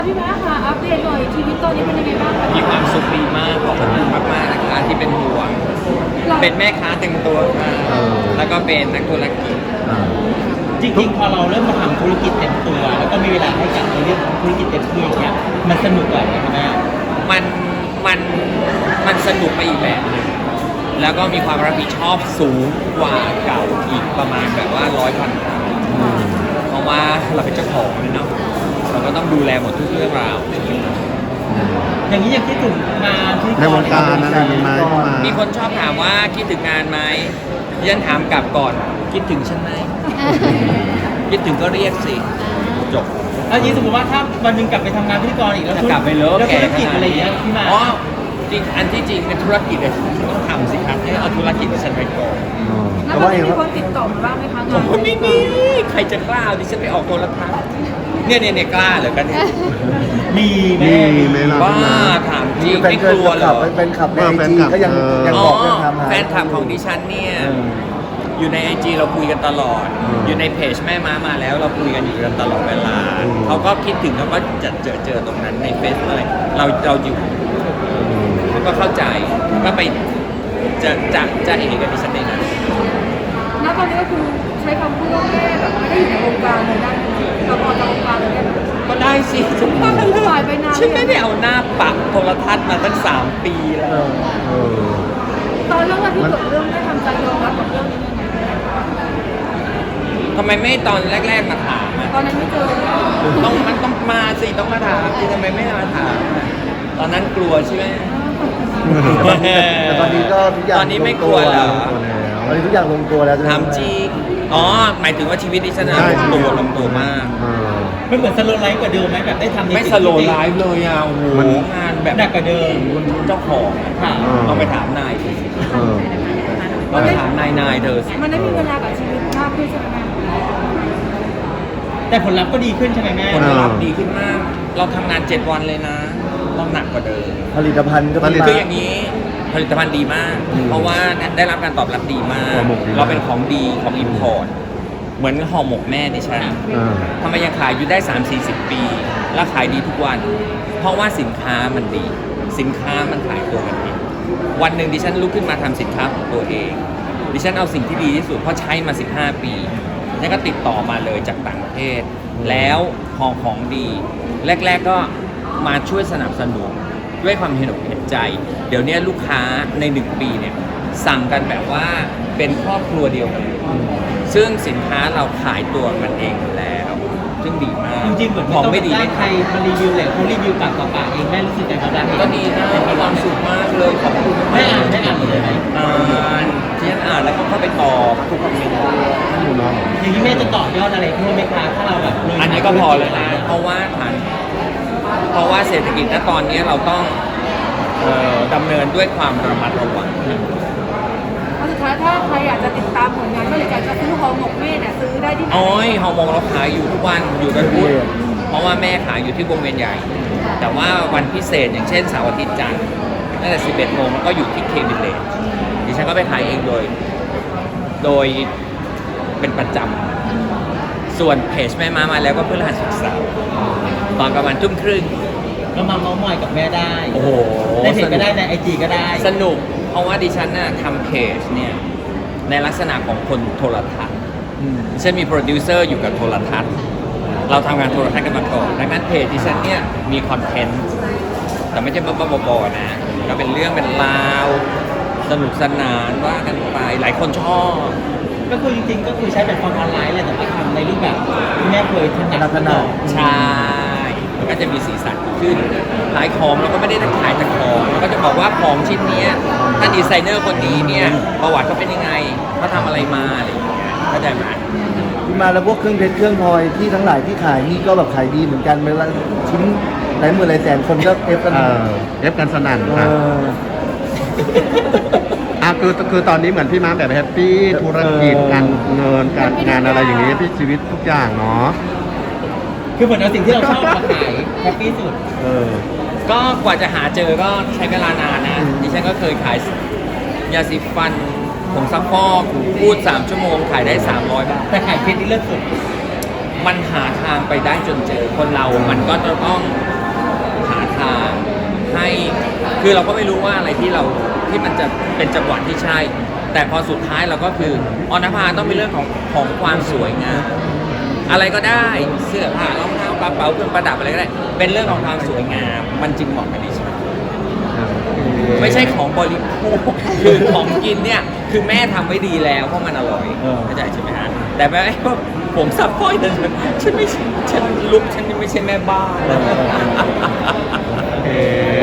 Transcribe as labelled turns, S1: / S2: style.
S1: พี่ม้าค่ะอัปเดตหน่อยชีวิตตอนนี้เป็นยังไงบ้างคะ
S2: มีความสุขดีมากขอบคุณมากๆนะคะที่เป็นห่วงเป็นแม่ค้าเต็มตัวมาแล้วก็เป็นนักธุรกิจ
S3: จริงๆพอเราเริ่มมาทำธุรกิจเต็มตัวแล้วก็มีเวลาให้กับในเรื่องของธุรกิจเต็มที่อย่างเงี้ยมันสนุกกว่าไหมครับแม่
S2: มันมันมันสนุกไปอีกแบบหนึงแล้วก็มีความรับผิดชอบสูงกว่าเก่าอีกประมาณแบบว่า100,000 เท่าเพราะว่าเราเป็นเจ้าของเนาะเราก็ต้องดูแลหมดทุกเรื่องราว
S3: อย่างนี้ยังคิดถึงงานที่
S4: ในวงการอะไรมีไหม
S2: มีคนชอบถามว่าคิดถึงงานไหมยันถามกลับก่อนคิดถึงฉันไหมคิดถึงก็เรียกสิจบ
S3: แล้วยิ่งสมมติว่าถ้าวันหนึงกลับไปทำงานพิธีกรอีกแล้ว
S2: กลับไปเลย
S3: แล้วธุรกิจอะไรอย่างเงี้ยพี่มา
S2: อ๋อจริงอันที่จริงเป็นธุรกิจเลยต้องทำสิครับให้เอาธุรกิจของฉันไปก่อน
S1: แล้วตอนนี้มีคนติดต่อมาบ้างไหมคะงาน
S2: ผมไม่มีใครจะกล้าดิฉันไปออกโทรทัศน์เนี่ยกล้าเหรอกันเนี่ย
S3: มี
S2: ว่าถามจริงไม่กลัวเหรอ
S4: เป็นขับในไอจีก็ยังบอกยังทำ
S2: แฟนคลับของดิฉันเนี่ยอยู่ในไอจีเราคุยกันตลอดอยู่ในเพจแม่ม้ามาแล้วเราคุยกันอยู่กันตลอดเวลาเขาก็คิดถึงเขาก็จะเจอตรงนั้นในเฟซอะไรเราอยู่เขาก็เข้าใจก็ไปจะเองกับดิฉันได้นะ
S1: ณตอนนี้ก็คือใช้คำพูดว่าแม่แบบไม่ได้อยู่ในวงการเลยได้เราออกจากวงการเลยได้
S2: ก็ได้สิฉันไม่ได้เอาหน้าปักโทรทัศน์มาตั้ง3 ปีแล้ว
S1: ตอนเรื่องที่เกิดเรื่องได้ทำใจยอมรับกับเรื่องนี้
S2: ทำไมไม่ตอนแรกๆมาถาม
S1: ตอนนั้นไม่เจอ
S2: มันต้องมาสิต้องมาถามสิทำไมไม่มาถามตอนนั้นกลัวใช่ไหม
S4: แต่ตอนนี้ก็ทุกอย่าง
S2: ตอนนี้ไม่กลัวแล้ว
S4: ตอนนี้ทุกอย่างลงตัวแล้ว
S2: ทำจริงหมายถึงว่าชีวิตดิฉันลงตัวมาก
S3: ไม่เหมือนสโลไลฟ์กว่าเดิมไหมแบบได้ทำ
S2: ไม่สโลไลฟ์เลยอ่ะโอ้โหงานแบบ
S3: หนักกว่าเดิม
S2: เจ้าของต้องไปถามนายต้องไปถามนายเธอ
S1: มันได้มีเวลากับชีวิตมากขึ้นใช่ไหม
S3: แต่ผลลัพธ์ก็ดีขึ้นใช่ไหมแม่
S2: ผลลัพธ์ดีขึ้นมากเราทำงาน7 วันเลยนะต้องหนักกว่าเดิม
S4: ผลิตภัณฑ์ก็
S2: คืออย่างนี้ผลิตภัณฑ์ดีมากเพราะว่าได้รับการตอบรับดีมากเราเป็นของดีของอิมพอร์ตเหมือนห่อหมกแม่ดิฉันทำไมยังขายอยู่ได้30-40 ปีแล้วขายดีทุกวันเพราะว่าสินค้ามันดีสินค้ามันขายตัวมันเองวันหนึ่งดิฉันลุกขึ้นมาทำสินค้าของตัวเองดิฉันเอาสิ่งที่ดีที่สุดเพราะใช้มา15 ปีนี่ก็ติดต่อมาเลยจากต่างประเทศแล้วของดีแรกๆก็มาช่วยสนับสนุนด้วยความเห็นใจเดี๋ยวนี้ลูกค้าใน1 ปีเนี่ยสั่งกันแบบว่าเป็นครอบครัวเดียวกันซึ่งสินค้าเราขายตัวมันเองแล้วซึ่งดีมาก
S3: จริงๆเหมือน
S2: ของไม่ดี
S3: ใครมารีวิวเลยเขารีวิวปากต่อปากเองแม่รู้สึกยังไงบ้าง
S2: ก็ดีนะมีความสุขมากเลยขอบคุณ
S3: ไม่อ่านเลยไหม
S2: ที่ฉันอ่านแล้วก็เข้าไปตอบทุกคอมเมนต์
S3: อย่างนี้แม่จะต่อยอดอะไรเพิ่มไหมคะถ้าเราแบบ
S2: อันนี้ก็พอเลยนะเพราะว่าเศรษฐกิจณตอนนี้เราต้องดำเนินด้วยความระมัดระวัง
S1: สุดท้ายถ้าใครอยากจะติดตามผลงานก็เลยจะซื้อห่อหมกแม่เนี่ยซื้อได้ที่ไหน
S2: ห่อหมกเราขายอยู่ทุกวันอยู่กันพุธเพราะว่าแม่ขายอยู่ที่วงเวียนใหญ่แต่ว่าวันพิเศษอย่างเช่นเสาร์อาทิตย์จันทร์ตั้งแต่ 11 โมงก็อยู่ที่เควิลเลจดิฉันก็ไปขายเองโดยเป็นประจำส่วนเพจแม่ม้ามาแล้วก็เพื่อรหัสศึกษาตอนประมาณ 20:30
S3: ก็มาเม้าท์มอยกับแม่ได้
S2: โอ้โห
S3: ในเพจก็ได้ในไอจีก็ได้
S2: สนุกเพราะว่าดิฉันน่ะทำเพจเนี่ยในลักษณะของคนโทรทัศน์ดิฉันมีโปรดิวเซอร์อยู่กับโทรทัศน์เราทำงานโทรทัศน์กันมาก่อนดังนั้นเพจดิฉันเนี่ยมีคอนเทนต์แต่ไม่ใช่บ้าๆบอๆนะก็เป็นเรื่องเป็นราวสนุกสนานว่ากันไปหลายคนชอบ
S3: ก็คือจริงๆก็คือใช้แบบฟอร์มออนไลน์แหละแต่ว่าทำในรูปแบบที่แม่เคยถนัด
S2: ใช่มันก็จะมีสีสันขึ้นขายของเราก็ไม่ได้ขายแต่ของเราก็จะบอกว่าของชิ้นนี้ถ้าดีไซเนอร์คนนี้เนี่ยประวัติเขาเป็นยังไงเขาทำอะไรมาอะไรอย่างเงี้ยเข้าใจไหม
S4: ที่มาแล้วพวกเครื่องเพชรเครื่องพลอยที่ทั้งหลายที่ขายนี่ก็แบบขายดีเหมือนกันเวลาชิ้นหลายหมื่นหลายแสนคนก็เอฟกันสนั่นครับคือตอนนี้เหมือนพี่ม้าแบบแฮปปี้ธุรกิจการเงินการงานอะไรอย่างนี้พี่ชีวิตทุกอย่างเนาะ
S3: คือเหมือนเอาสิ่งที่เราชอบมาขายแฮปปี้สุด
S2: ก็กว่าจะหาเจอก็ใช้เวลานานนะดิฉันก็เคยขายยาสีฟันผงซักฟอกพูด3 ชั่วโมงขายได้300 บาท
S3: แต่ขายเพชรนี่เลิศสุด
S2: มันหาทางไปได้จนเจอคนเรามันก็จะต้องคือเราก็ไม่รู้ว่าอะไรที่มันจะเป็นจังหวะที่ใช่ แต่พอสุดท้ายเราก็คือออนภาต้องเป็นเรื่องของความสวยงามอะไรก็ได้เสื้อผ้ารองเท้ากระเป๋าเครื่องประดับอะไรก็ได้เป็นเรื่องของความสวยงามมันจึงเหมาะกับดิฉันไม่ใช่ของบริโภคคือของกินเนี่ยคือแม่ทำไว้ดีแล้วเพราะมันอร่อยเข้าใจใช่ไหมฮะแต่แม่ก็ผมซับซ้อยแต่ฉันไม่ใช่ฉันลุกฉันไม่ใช่แม่บ้าน